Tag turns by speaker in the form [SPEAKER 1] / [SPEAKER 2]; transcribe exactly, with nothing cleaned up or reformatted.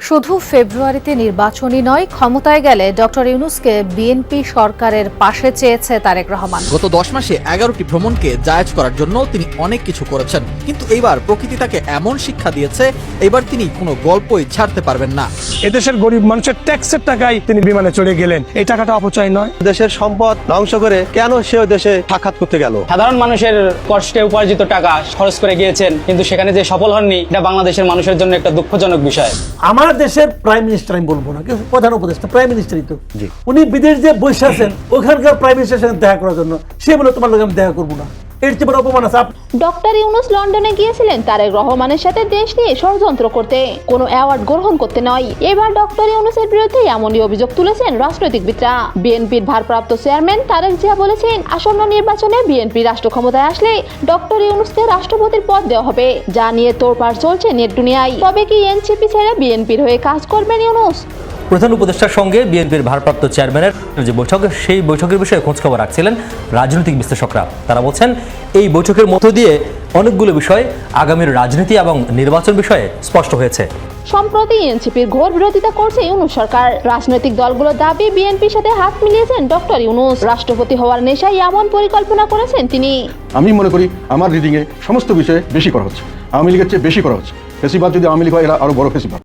[SPEAKER 1] শুধু ফেব্রুয়ারিতে নির্বাচনই নয়, ক্ষমতায় গেলে ডক্টর ইউনূসকে বিএনপি সরকারের পাশে চেয়েছে তারেক রহমান।
[SPEAKER 2] গত দশ মাসে এগারোটি ভ্রমণকে জায়েজ করার জন্য তিনি অনেক কিছু করেছেন, কিন্তু এইবার প্রকৃতি তাকে এমন শিক্ষা দিয়েছে, এবার তিনি কোনো গল্পই ছাড়তে পারবেন না।
[SPEAKER 3] এদেশের গরিব মানুষের ট্যাক্সের টাকায় তিনি বিমানে চড়ে গেলেন, এই টাকাটা অপচয় নয়?
[SPEAKER 4] দেশের সম্পদ ধ্বংস করে কেন সে দেশে সাক্ষাৎ করতে গেল?
[SPEAKER 5] সাধারণ মানুষের কষ্টে উপার্জিত টাকা খরচ করে গিয়েছেন, কিন্তু সেখানে যে সফল হননি, এটা বাংলাদেশের মানুষের জন্য একটা দুঃখজনক বিষয়।
[SPEAKER 6] আমার দেশের প্রাইম মিনিস্টার আমি বলবো না, কিন্তু প্রধান উপদেষ্টা প্রাইম মিনিস্টারই তো, উনি বিদেশ যে বসে আছেন ওখানকার প্রাইম মিনিস্টারের সঙ্গে দেখা করার জন্য, সে বলে তোমার লোক আমি দেখা করবো না, এর চেয়ে বড় অপমান আছে?
[SPEAKER 7] ডক্টর ইউনূস লন্ডনে গিয়েছিলেন তারেক রহমানের সাথে দেশ নিয়ে ষড়যন্ত্র করতে, কোনো অ্যাওয়ার্ড গ্রহণ করতে নয়। এবার ডক্টর ইউনূসের বিরুদ্ধে এমনই অভিযোগ তুলেছেন রাজনৈতিকবিদরা। বিএনপির ভারপ্রাপ্ত চেয়ারম্যান তারেক জিয়া বলেছেন, আসন্ন নির্বাচনে বিএনপি রাষ্ট্র ক্ষমতায় আসলে ডক্টর ইউনূসকে রাষ্ট্রপতির পদ দেওয়া হবে, যা নিয়ে তোড়পাড় চলছে নেট দুনিয়ায়। তবে কি এনসিপি ছেড়ে বিএনপির হয়ে কাজ করবেন ইউনূস?
[SPEAKER 8] প্রধান উপদেষ্টার সঙ্গে বিএনপির ভারপ্রাপ্ত চেয়ারম্যানের যে বৈঠক, সেই বৈঠকের বিষয়ে খোঁজখবর রাখছিলেন রাজনৈতিক বিশ্লেষকরা। তারা বলছেন, এই বৈঠকের মধ্য দিয়ে অনেকগুলো বিষয় আগামীর রাজনীতি এবং নির্বাচন বিষয়ে স্পষ্ট হয়েছে।
[SPEAKER 7] সম্প্রতি এনসিপির ঘোর বিরোধিতা করছে ইউনূস সরকার। রাজনৈতিক দলগুলোর দাবি, বিএনপির সাথে হাত মিলিয়েছেন ডক্টর ইউনূস। রাষ্ট্রপতি হওয়ার নেশায় এমন পরিকল্পনা করেছেন তিনি।
[SPEAKER 9] আমি মনে করি আমার রিডিংয়ে সমস্ত বিষয়ে বেশি করা হচ্ছে, আওয়ামী লীগের চেয়ে বেশি করা হচ্ছে। ফেসিবাদ যদি আওয়ামী লীগ হয়, এরা আরো বড় ফেসিবাদ।